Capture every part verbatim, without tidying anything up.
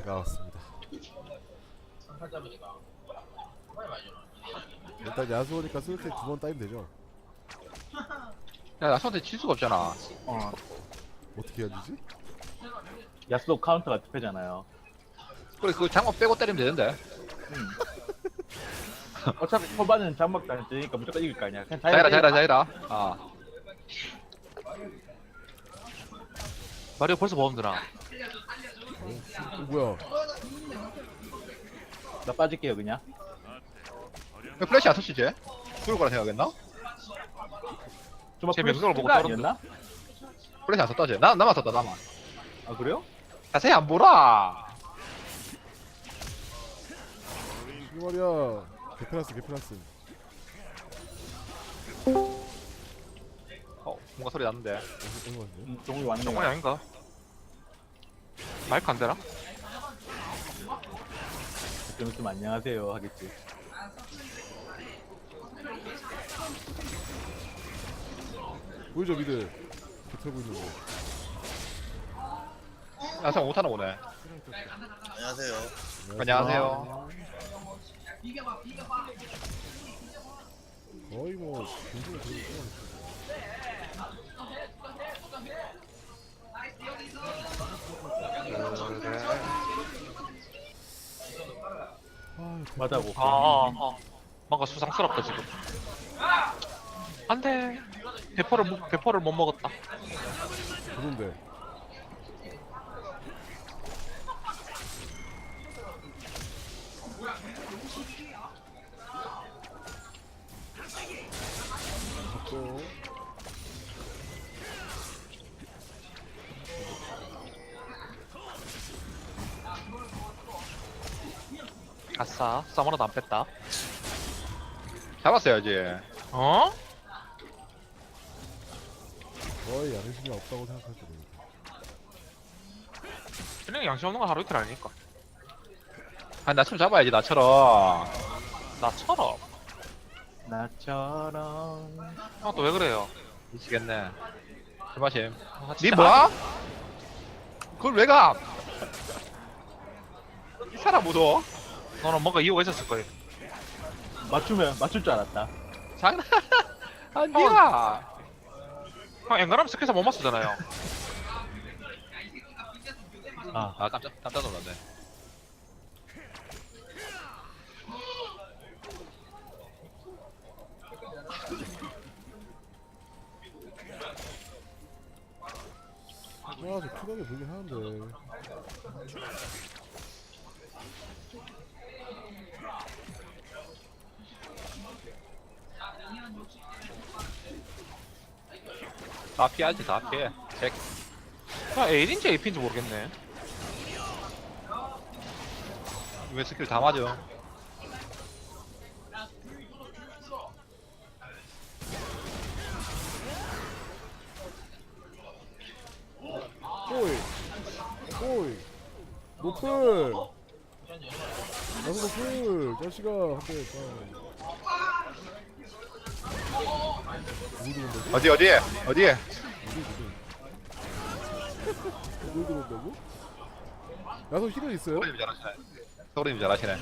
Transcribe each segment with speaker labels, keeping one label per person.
Speaker 1: 나왔습니다. 일단 야수오니까 스위트 두 번 따이면 되죠.
Speaker 2: 야, 나 손대 칠 수가 없잖아.
Speaker 3: 어,
Speaker 1: 어떻게 해야 되지?
Speaker 3: 야스도 카운터가 투표잖아요.
Speaker 2: 그래, 그 장갑 빼고 때리면 되는데.
Speaker 3: 음. 어차피 초반은 장막도 안 뜨니까 무조건 이길 거 아니야. 그냥
Speaker 2: 자이라, 자이라,
Speaker 3: 때리라.
Speaker 2: 자이라. 아.
Speaker 4: 마리오 벌써 보험 드나?
Speaker 1: 어, 뭐야?
Speaker 3: 나 빠질게요 그냥.
Speaker 2: 왜 플래시 안 터치지? 그럴 거라 생각했나?
Speaker 3: 좀
Speaker 4: 제 명성을 보고
Speaker 3: 아니었나?
Speaker 2: 플래시 안 썼다지? 나, 나만 썼다, 나만.
Speaker 3: 아 그래요?
Speaker 2: 자세히 안 보라.
Speaker 1: 이 말이야. 개플러스 개플러스.
Speaker 2: 어, 뭔가 소리 났는데.
Speaker 1: 어디 어디 갔네?
Speaker 3: 음, 종이 왔네.
Speaker 4: 정말 아닌가? 마이크 안 되나?
Speaker 3: 좀 있으면 안녕하세요 하겠지.
Speaker 1: 보이죠 미드. 개털 보이는 거.
Speaker 2: 야, 생 못하나 보네.
Speaker 5: 안녕하세요.
Speaker 2: 안녕하세요.
Speaker 1: 거의 뭐 굉장히 그런 거 아,
Speaker 3: 맞아고.
Speaker 4: 아, 아, 아. 뭔가 수상스럽다 지금. 안돼. 대포를 못, 대포를 못 먹었다.
Speaker 1: 그런데 또
Speaker 4: 아싸. 사무라도 안 뺐다.
Speaker 2: 잡았어야지.
Speaker 4: 어?
Speaker 1: 거의 양심이 없다고 생각할 때
Speaker 4: 그냥 양심 없는 건 하루 이틀 아니니까.
Speaker 2: 아, 나처럼 잡아야지, 나처럼.
Speaker 4: 나처럼.
Speaker 3: 나처럼.
Speaker 4: 아, 또 왜 그래요?
Speaker 2: 미치겠네. 조마심.
Speaker 4: 아,
Speaker 2: 니
Speaker 4: 진짜
Speaker 2: 뭐야? 그걸 왜 가? 이 사람 무서워?
Speaker 4: 너는 뭔가 이유가 있었을 거야.
Speaker 3: 맞추면 맞출 줄 알았다.
Speaker 2: 장난 아니야.
Speaker 4: 형 앵간하면 스킬사 못 맞추잖아요.
Speaker 3: 아,
Speaker 2: 아, 깜짝, 깜짝 놀랐네.
Speaker 1: 아, 저 쿨하게 보긴 하는데
Speaker 2: 다 피하지, 다 피해. 잭.
Speaker 4: 그냥 A인지 에이피인지 모르겠네.
Speaker 2: 왜 스킬 다 맞아?
Speaker 1: 꼬이 꼬이 노플 나도 노플 자식아 한대 누구 들어온다고?
Speaker 2: 어디, 어디? 어디에?
Speaker 1: 누구 들어온다고? 야소 힐은 있어요?
Speaker 2: 서울님 잘하시네. 서울님 잘하시네.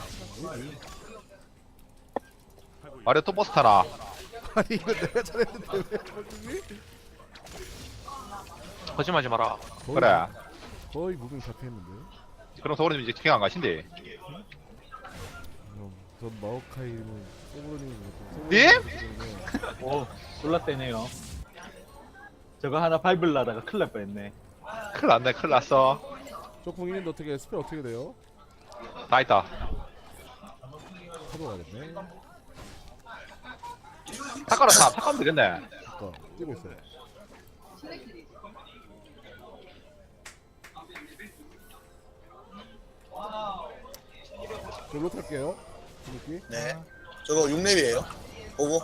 Speaker 2: 마리오 또 버스 타나?
Speaker 1: 아니 이거 내가 잘했는데 왜 벌칙이?
Speaker 4: 거짓말하지 마라.
Speaker 1: 거의,
Speaker 2: 그래.
Speaker 1: 거의 무빙 잡혀있는데
Speaker 2: 그럼 서울님 이제 킹 안 가신대.
Speaker 1: 그럼 전 마오카이는 소브로님이
Speaker 2: 님?
Speaker 3: 오, 놀랐대네요. 저거 하나 밟으려다가 큰일 날 뻔했네.
Speaker 2: 큰일 났네, 큰일 났어.
Speaker 1: 쪽풍이는 어떻게 스펠 어떻게 돼요?
Speaker 2: 다 있다.
Speaker 1: 사도 가겠네
Speaker 2: 탁가로 타, 탁가면 되겠네.
Speaker 1: 아까 뛰고 있어요 저로 탈게요 느낌
Speaker 5: 네. 저거 육 렙이에요. 보고.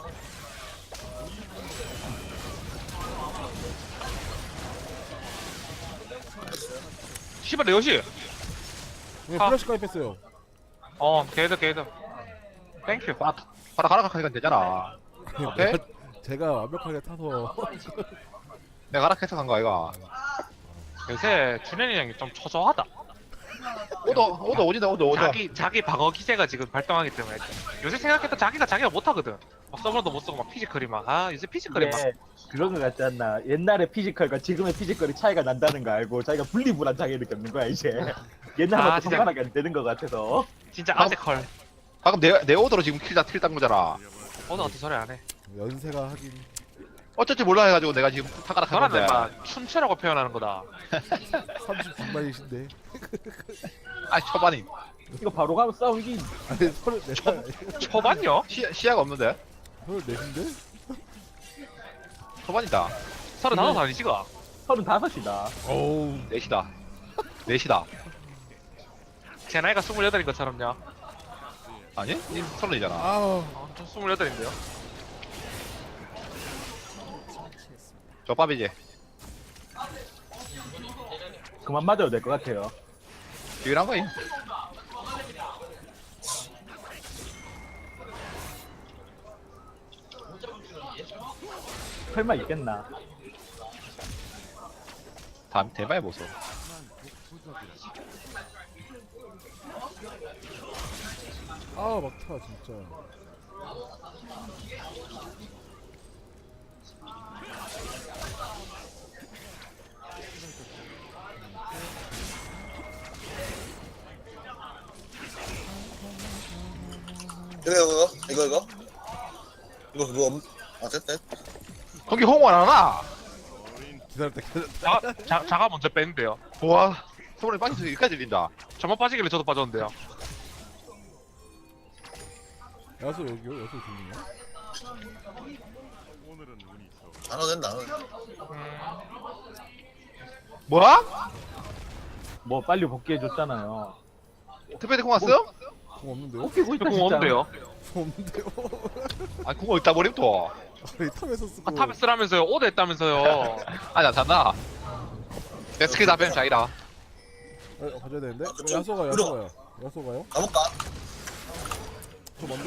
Speaker 4: 씨발 내 여시.
Speaker 1: 네,
Speaker 4: 아.
Speaker 1: 플래시 가입했어요
Speaker 4: 어, 게이드 게이드. 땡큐.
Speaker 2: 아, 바로 가락하니까 되잖아. 오케이?
Speaker 1: 내가- 제가 완벽하게 타서
Speaker 2: 내가 가락해서 간 거야, 이거.
Speaker 4: 요새 준현이 형이 좀 초조하다.
Speaker 2: 오더 오더 오지다 오더 오더.
Speaker 4: 자기 자기 방어 기제가 지금 발동하기 때문에 요새 생각해도 자기가 자기가 못하거든. 막 서브로도 못 쓰고 막 피지컬이 막 아 요새 피지컬이 막
Speaker 3: 이게 그런 거 같지 않나? 옛날에 피지컬과 지금의 피지컬이 차이가 난다는 거 알고 자기가 분리불안하게 느꼈는 거야 이제. 옛날하고
Speaker 4: 아, 진짜.
Speaker 3: 상관하게 안 되는 거 같아서.
Speaker 4: 진짜 아재컬.
Speaker 2: 방금 내, 내 오더로 지금 킬다 킬딴 거잖아.
Speaker 4: 오늘 어떻게 소리 안 해?
Speaker 1: 연세가 하긴
Speaker 2: 어쩔지 몰라 해가지고 내가 지금 타가락 한
Speaker 4: 너라는
Speaker 2: 건데.
Speaker 4: 막 춘추라고 표현하는 거다.
Speaker 1: 삼십 중반이신데.
Speaker 2: 아 초반이
Speaker 3: 이거 바로 가면 싸우기.
Speaker 1: 아니 서른네 살.
Speaker 4: 초반요?
Speaker 2: 시, 시야가 없는데.
Speaker 1: 서른넷인데?
Speaker 2: 초반이다.
Speaker 4: 서른다섯 아니지가?
Speaker 3: 서른다섯이다.
Speaker 1: 어우.
Speaker 2: 넷이다. 넷이다.
Speaker 4: 제 나이가 스물여덟인 것처럼요.
Speaker 2: 아니? 님 서른이잖아.
Speaker 1: 아.
Speaker 4: 어, 저 스물여덟인데요.
Speaker 2: 저 밥이지.
Speaker 3: 그만 맞아도 될 것 같아요.
Speaker 2: 유일한 거임.
Speaker 3: 설마 있겠나?
Speaker 2: 다음 대바에 보소.
Speaker 1: 아 막타 진짜.
Speaker 5: 이거 이거 이거 이거 이거 그거 없... 아 됐다.
Speaker 2: 거기 홍보 안 하나?
Speaker 1: 기다렸다 기다렸다.
Speaker 4: 자, 자, 자가 먼저 뺐는데요.
Speaker 2: 와, 소문이 빠져서 여기까지 들린다.
Speaker 4: 저만 빠지길래 저도 빠졌는데요.
Speaker 1: 야수 여기요? 야수 들리냐?
Speaker 5: 안 와도 된다.
Speaker 2: 뭐야?
Speaker 3: 뭐 빨리 복귀해줬잖아요.
Speaker 2: 특별히 공 왔어?
Speaker 1: 공 없는데요?
Speaker 3: 복귀고 있다
Speaker 4: 공
Speaker 3: 진짜.
Speaker 4: 없는데요.
Speaker 1: 공 없는데요?
Speaker 2: 아니 공 어디다 버림 또.
Speaker 1: 아니 탑에서 쓰고.
Speaker 4: 아, 탑에 쓰라면서요. 오더 했다면서요.
Speaker 2: 아니 안 샀나? 내 스킬 다 빼면 자기라.
Speaker 1: 어, 가져야 되는데?
Speaker 5: 아, 그쪽
Speaker 1: 야소가
Speaker 5: 위로.
Speaker 1: 야소가요. 야소가요?
Speaker 5: 가볼까?
Speaker 1: 저 뭔데?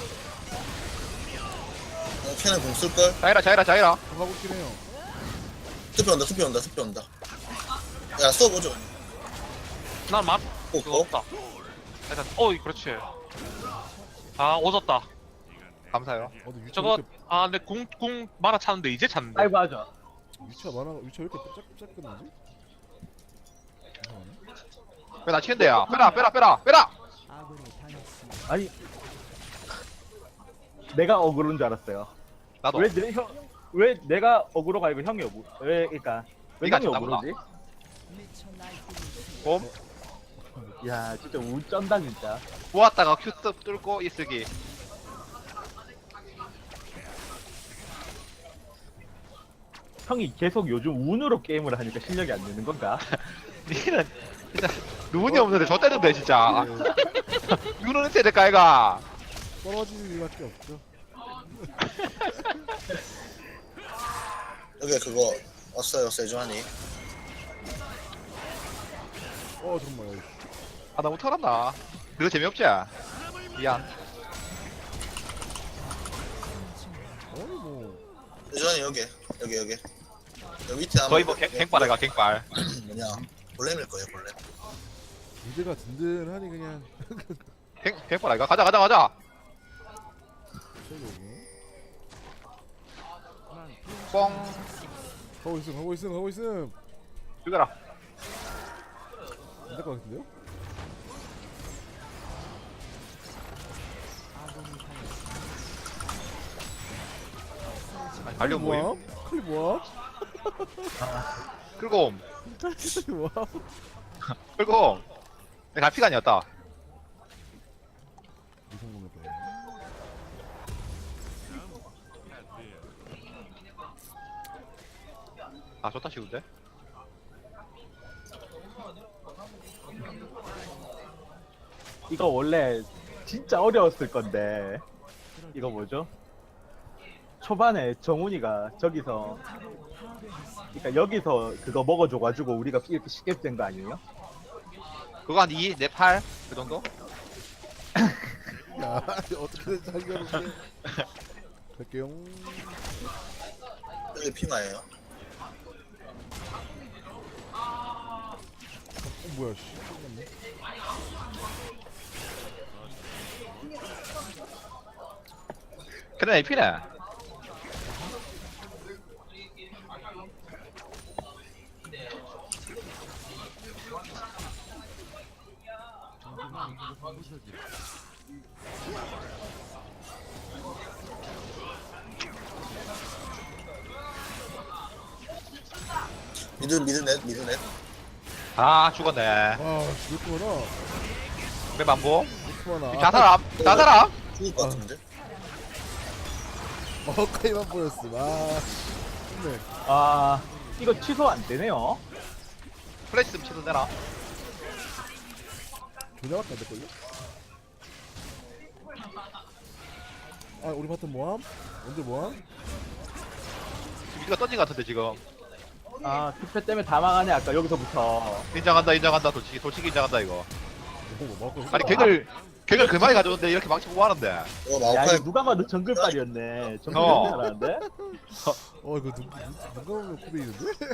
Speaker 5: 어, 캔은 공 쓸걸?
Speaker 2: 자기라 자기라 자기라.
Speaker 1: 저 가고 있긴 해요.
Speaker 5: 투표 온다 투표 온다 투표 온다. 야 써보죠.
Speaker 4: 난 맛,
Speaker 5: 어,
Speaker 4: 그거
Speaker 5: 어?
Speaker 4: 없다. 일단, 어이, 그렇지. 아, 오졌다.
Speaker 2: 감사해요.
Speaker 1: 어디 위치
Speaker 4: 저거,
Speaker 1: 왜
Speaker 4: 아, 내 궁, 궁 말아 찾는데, 이제 찾는데.
Speaker 3: 아이고 하죠.
Speaker 1: 이렇게 위치가 많아 위치가 왜 이렇게 짝 짝끊나지?
Speaker 2: 왜 나 치는데야? 빼라 빼라 빼라 빼라.
Speaker 3: 아니 내가 어그로인 줄 알았어요.
Speaker 2: 나도.
Speaker 3: 왜 내 형, 왜 내가 어그로가 아니고 형이 어그로? 왜 그러니까 왜
Speaker 2: 네가
Speaker 3: 형이
Speaker 2: 쳤나
Speaker 3: 어그로지?
Speaker 2: 봄
Speaker 3: 야 진짜 우쩐다 진짜.
Speaker 2: 모았다가 큐 뜯- 뚫고 이쓰기.
Speaker 3: 형이 계속 요즘 운으로 게임을 하니까 실력이 안 느는 건가?
Speaker 2: 니는 진짜 누군이 없는데 저 때는데 진짜. 누구는 세대 까이가.
Speaker 1: 떨어지는 일밖에 없죠.
Speaker 5: 여기 그거 왔어요 세주하니.
Speaker 1: 어 정말.
Speaker 2: 아 너무 털었나? 그거 재미없지? 미안.
Speaker 1: 아니 뭐
Speaker 5: 세주하니 여기 여기 여기. 여기 밑에 아마
Speaker 2: 거의 뭐 갱- 갱빨해가 갱빨.
Speaker 5: 뭐냐 볼렘일 거예요 볼렘.
Speaker 1: 미드가 든든하니 그냥.
Speaker 2: 갱 갱빨해가 가자 가자 가자.
Speaker 1: 저기 여기.
Speaker 2: 뻥
Speaker 1: 가고 있음 가고 있음 가고 있음.
Speaker 2: 죽여라.
Speaker 1: 안 될 것 같은데요?
Speaker 2: 아니, 달려
Speaker 1: 뭐야?
Speaker 2: 모임.
Speaker 1: 클리 뭐야?
Speaker 2: 끌고 옴.
Speaker 1: 클리 뭐야?
Speaker 2: 끌고 옴. 내가 피가 아니었다.
Speaker 1: 이성공을 봐.
Speaker 2: 아 좋다 쉬운데?
Speaker 3: 이거 원래 진짜 어려웠을 건데 이거 뭐죠? 초반에 정훈이가 저기서 그러니까 여기서 그거 먹어줘가지고 우리가 이렇게 쉽게 된 거 아니에요?
Speaker 2: 그거 한 이, 내 팔? 그 정도?
Speaker 1: 야 어떻게든 살려볼게. 갈게요.
Speaker 5: 여기 피마예요.
Speaker 1: 뭐야 씨. 잠깐만.
Speaker 2: 그래 에이피네.
Speaker 5: 미드 미드 넷 미드 넷.
Speaker 2: 아 죽었네.
Speaker 1: 아 씨, 왜 이렇게 많아?
Speaker 2: 왜 만보?
Speaker 1: 왜 이렇게 많아?
Speaker 2: 자살함. 자살함.
Speaker 5: 죽을 것 같은데.
Speaker 1: 어 카이만 보였어. 아 좋네.
Speaker 3: 아 이거 취소 안 되네요.
Speaker 2: 플래시 좀 치도 되나?
Speaker 1: 조작밖에 안 될걸요? 아 우리 바텀 모함? 언제 모함?
Speaker 2: 미드가 던진 것 같은데 지금.
Speaker 3: 아 투표 때문에 다 망하네 아까 여기서부터.
Speaker 2: 인정한다 인정한다 솔직히 솔직히 인정한다 이거.
Speaker 1: 뭐 막고
Speaker 2: 아니 객을 객을 그 많이 가져오는데 이렇게 망치고 뭐 하는데.
Speaker 5: 어
Speaker 3: 야
Speaker 5: 마오카이
Speaker 3: 이거 누가 봐도 정글빨이었네.
Speaker 2: 어.
Speaker 3: 정글빨이 잘하는데?
Speaker 1: 어 이거 누, 누, 누가 보면 코베이는데?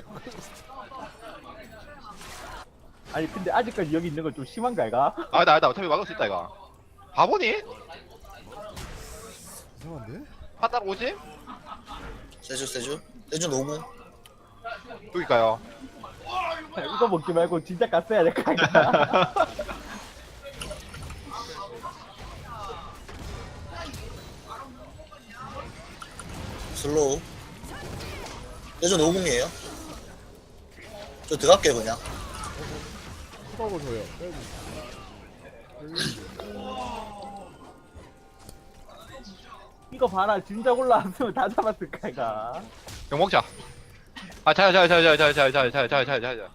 Speaker 3: 아니 근데 아직까지 여기 있는 건 좀 심한가 이가?
Speaker 2: 아니다 아니다 어차피 막을 수 있다 이거. 바보니?
Speaker 1: 이상한데?
Speaker 2: 판단 오지?
Speaker 5: 세주 세주 세주 노구.
Speaker 2: 여기까요.
Speaker 3: 이거 먹지 말고 진짜 갔어야 될까 이가?
Speaker 5: 슬로우. 세주 노궁이에요. 저 들어갈게요 그냥.
Speaker 1: 수박을 줘요. 빼고.
Speaker 3: 이거 봐라 진작 올라왔으면 다 잡았을까 이가?
Speaker 2: 용 먹자. 아 자야 자야 자야 자야 자야 자야 자야 자야 자야 자야.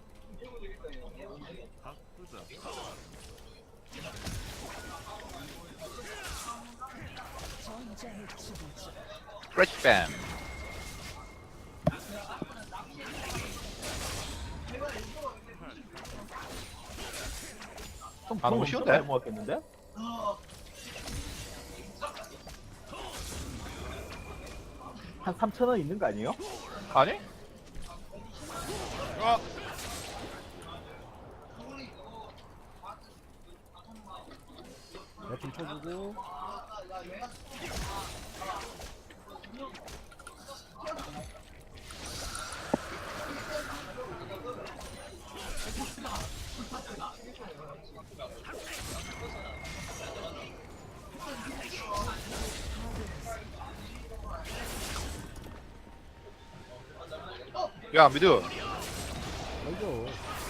Speaker 2: 프레시 뱀.
Speaker 3: 좀
Speaker 2: 아, 너무
Speaker 3: 좀
Speaker 2: 쉬운데?
Speaker 3: 많이 먹었겠는데? 한 삼천 원 있는 거 아니에요?
Speaker 2: 아니? 어.
Speaker 1: 나좀 쳐주고.
Speaker 2: 야 미드.
Speaker 1: 알죠.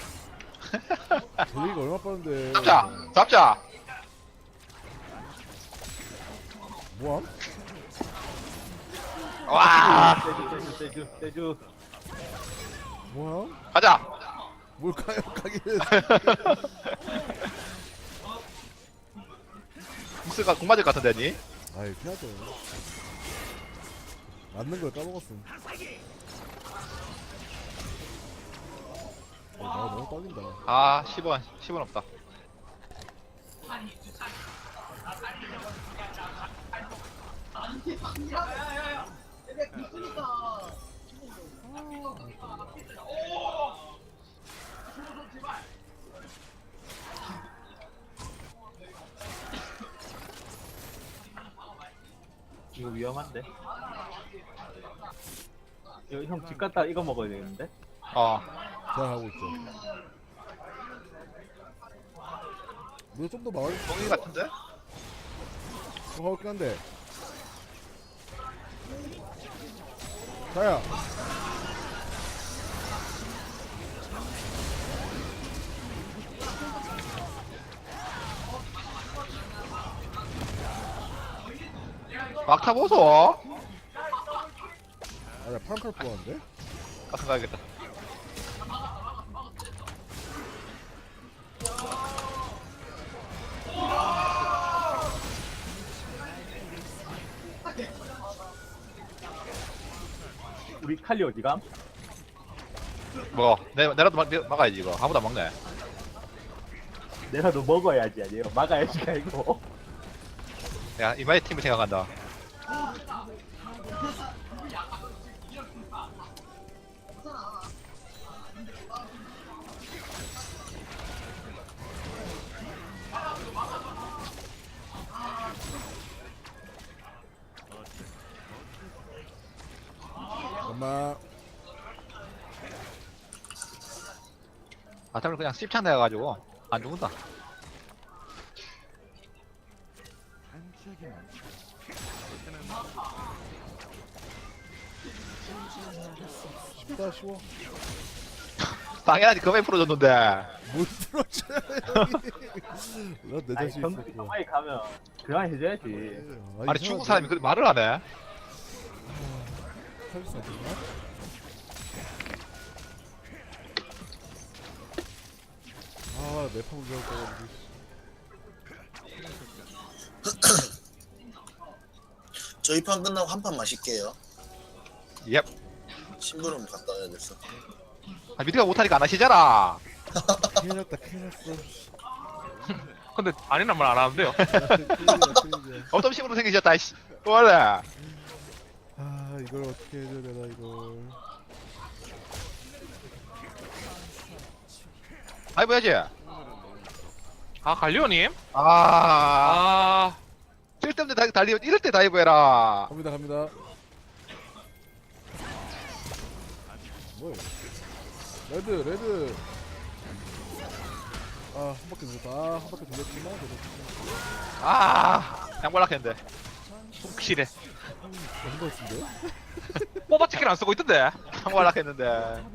Speaker 1: 제리가 얼마 빠른데.
Speaker 2: 잡자 잡자.
Speaker 1: 모함?
Speaker 2: 와
Speaker 3: 세주 세주 세주
Speaker 1: 모함?
Speaker 2: 가자.
Speaker 1: 뭘까요? 가기는.
Speaker 2: 미스가 공 맞을 것 같은데 니?
Speaker 1: 아이 피하죠. 맞는 걸 까먹었음. 어, 나 너무 떨린다.
Speaker 2: 아 십 원 십 원 없다.
Speaker 3: 이거 위험한데? 이거 형 집 갔다 이거 먹어야 되는데?
Speaker 2: 어
Speaker 1: 잘 하고 있죠. 너 좀 더 마을
Speaker 2: 동이 같은데?
Speaker 1: 좀 하고 있긴 한데. 자야.
Speaker 2: 막타 보소.
Speaker 1: 아야 파란칼 뽑았는데?
Speaker 2: 같은 가야겠다.
Speaker 3: 우리 칼리 어디감?
Speaker 2: 뭐 내, 내라도 막, 막아야지 이거. 아무도 안 막네.
Speaker 3: 내라도 먹어야지 아니에요? 막아야지 아니고.
Speaker 2: 야 이마의 팀을 생각한다. 바텀을 그냥 씹창 내가지고 안 죽는다.
Speaker 1: 쉽다 쉬워.
Speaker 2: 당연하지 그만 풀어줬는데.
Speaker 1: 못 들어줘요 형이. 난내
Speaker 3: 아니
Speaker 1: 자신
Speaker 3: 정글이
Speaker 1: 있었고.
Speaker 3: 가만히 가면 그만 해줘야지.
Speaker 2: 아니 중국 사람이 그 말을 안 해.
Speaker 1: 서비스 안 되나? 아 매판 운전 떠가지고.
Speaker 5: 저희 판 끝나고 한 판 마실게요.
Speaker 2: 예.
Speaker 5: 심부름 갔다 와야겠어.
Speaker 2: 아 미드가 못하니까 안 하시잖아.
Speaker 1: 큰일 났다 큰일 났어.
Speaker 4: 근데 아니란 말 안 하는데요.
Speaker 1: 큰일이야 큰일이야.
Speaker 2: 어떤 식으로 생기셨다 이씨. 원래.
Speaker 1: 아 이걸 어떻게 해줘야 되나 이걸.
Speaker 2: 아이 뭐야지.
Speaker 4: 아 갈리오님?
Speaker 2: 아.
Speaker 4: 아
Speaker 2: 쓸데없는 다- 달리 이럴 때 다이브 해라.
Speaker 1: 갑니다 갑니다. 뭐야? 레드 레드. 아 한 바퀴 돌렸다. 아한 바퀴 돌렸지만 그래도
Speaker 2: 아. 양발락했는데.
Speaker 4: 확실해.
Speaker 1: 한번 쓴데?
Speaker 4: 뽑아치기를 안 쓰고 있던데.
Speaker 2: 양발락했는데.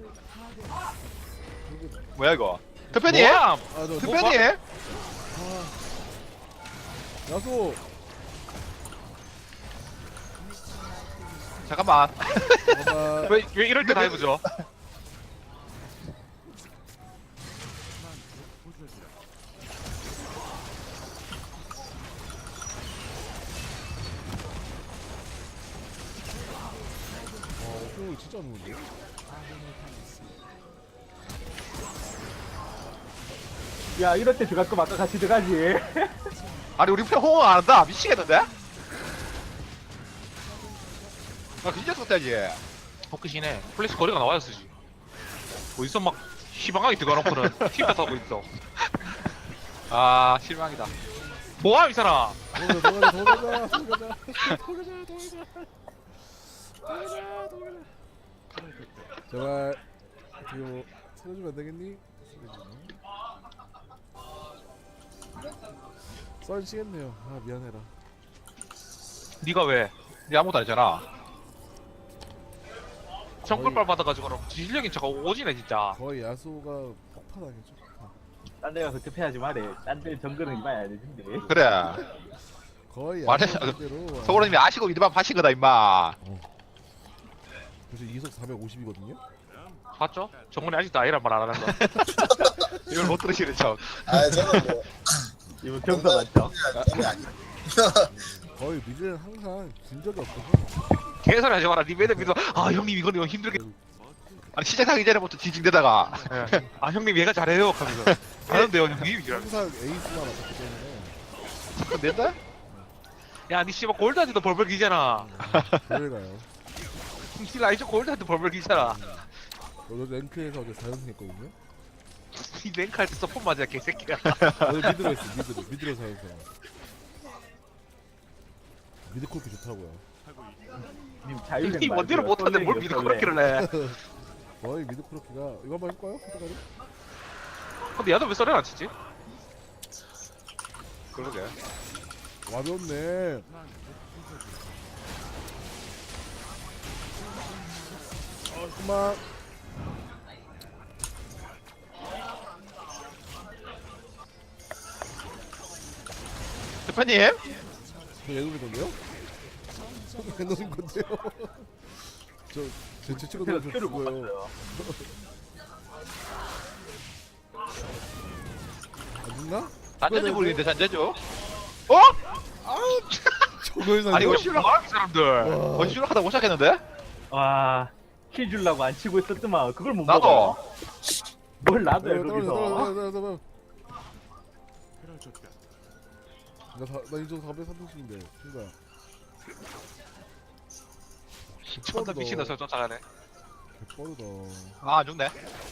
Speaker 2: 뭐야 이거? 특별히?
Speaker 4: 뭐야?
Speaker 1: 아저
Speaker 2: 특별히?
Speaker 1: 아, 야소.
Speaker 2: 잠깐만.
Speaker 1: 봐봐.
Speaker 4: 왜, 왜 이럴 때 다이브죠?
Speaker 1: 와 옥종이 진짜 안 오는데?
Speaker 3: 야 이럴 때 들어갈 거면 아까 같이 들어가지.
Speaker 2: 아니 우리 편 호응 안 한다. 미치겠는데? 나 진짜 썼다지.
Speaker 4: 복귀시네. 플래시 거리가 나와야 쓰지. 어디서 막 희망하게 들어가놓고는 팀다 타고 있어.
Speaker 2: 아 실망이다.
Speaker 4: 뭐야 이 사람?
Speaker 1: 도가자 도가자 도가자 도가자 도가자 도가자 도가자 도가자. 제발 어떻게 뭐 살려주면 안 되겠니? 썰 치겠네요. 아 미안해라.
Speaker 4: 네가 왜?
Speaker 2: 니 아무것도 안 했잖아.
Speaker 4: 정글빨 받아가지고 그럼 실력인 척 오지네 진짜.
Speaker 1: 거의 야소가 폭발하겠죠. 폭발.
Speaker 3: 딴 데 가서 급해하지 말해. 딴 데 정글은 이봐야 되는데.
Speaker 2: 그래.
Speaker 1: 거의
Speaker 2: 말해.
Speaker 1: 야소 그대로.
Speaker 2: 서울님이 아시고 이리만 파신 거다 임마.
Speaker 1: 벌써 이속 사백오십이거든요.
Speaker 4: 봤죠? 정글이 아직도 아니란 말 안 하는 거.
Speaker 2: 이걸 못 들으시는 척.
Speaker 5: 아 저는 뭐
Speaker 3: 이거 경사 맞죠?
Speaker 5: 이게 아니.
Speaker 1: 거의 미드는 항상 진 적이 없어서.
Speaker 4: 개소리 하지 마라. 니 매듭 믿어. 아 형님 이건 이거 힘들게.
Speaker 2: 아니 시작하기 전에부터 지징대다가.
Speaker 4: 예. 아 형님 얘가 잘해요. 하면서. 잘하는데요 형님.
Speaker 1: 항상 에이스만 왔기 때문에.
Speaker 2: 낸다?
Speaker 4: 야니 씨발 골드한테도 벌벌 기잖아.
Speaker 1: 교회 가요.
Speaker 4: 니 라이저 골드한테 벌벌 기잖아.
Speaker 1: 오늘 랭크에서 어제 사 연승 했거든요.
Speaker 4: 니 랭크할 때 서폰 맞아 개새끼야.
Speaker 1: 오늘 미드로 했어 미드로 미드로 사 연승. 미드 콜피 좋다고요.
Speaker 3: 님 자유생
Speaker 4: 니 원딜을 못하는데 뭘 믿어 그렇게를 해.
Speaker 1: 거의 미드 크로키가 이거 한번 해볼까요? 포토가리?
Speaker 4: 근데 야도 왜 썰을 안 치지?
Speaker 2: 그러게.
Speaker 1: 와비 없네. 어 그만.
Speaker 2: 대표님?
Speaker 1: 저 얘노린 건데요? 저 얘노린 건데요? 저제 친구
Speaker 3: 제가
Speaker 1: 너무
Speaker 3: 큐를 못
Speaker 1: 좋고요.
Speaker 3: 봤어요.
Speaker 1: 안 죽나?
Speaker 2: 잔재주 부리는데 잔재주? 어?
Speaker 1: 저걸
Speaker 2: 아니 이거
Speaker 1: 살려?
Speaker 2: 실력
Speaker 4: 아, 이 사람들.
Speaker 1: 와.
Speaker 2: 어 실력하다 못 시작했는데?
Speaker 3: 와, 킬 주려고 안 치고 있었더만 그걸 못
Speaker 2: 나도.
Speaker 3: 먹어. 뭘 나도 해
Speaker 1: 떨어져,
Speaker 3: 거기서.
Speaker 1: 떨어져, 떨어져, 떨어져. 나, 사, 나 인정 사백삼십인데 친구야.
Speaker 4: 존나 미친다 저 쫓아가네.
Speaker 1: 개빠르다.
Speaker 2: 아 안 죽네.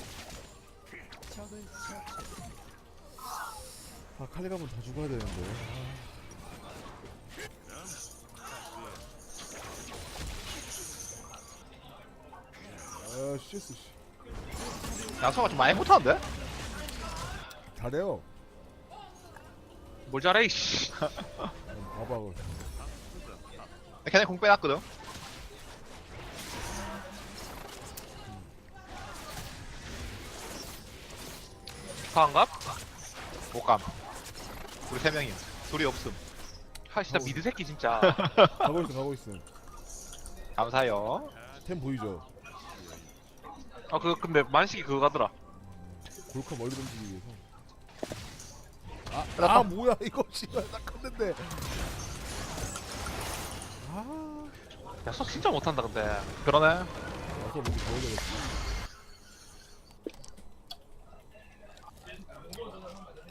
Speaker 1: 아 칼리 가면 다 죽어야 되는데. 아, 아 씨스 씨.
Speaker 2: 양소가 좀 많이 못하는데?
Speaker 1: 잘해요.
Speaker 4: 뭘 잘해 이씨.
Speaker 1: 봐봐.
Speaker 2: 걔네 공 빼놨거든.
Speaker 4: 강갑?
Speaker 2: 못감. 우리 세 명이야. 둘이 없음.
Speaker 4: 아 진짜 미드 새끼 진짜.
Speaker 1: 가고 있어 가고 있어.
Speaker 2: 감사해요.
Speaker 1: 템 보이죠?
Speaker 4: 아 그 근데 만식이 그거 가더라.
Speaker 1: 골카 멀리 던지기 위해서. 아, 아 뭐야 이거 씨발 딱 컸는데. 아.
Speaker 4: 야속 진짜 못한다 근데.
Speaker 2: 그러네.
Speaker 1: 와서 뭔지 보여줘야겠어.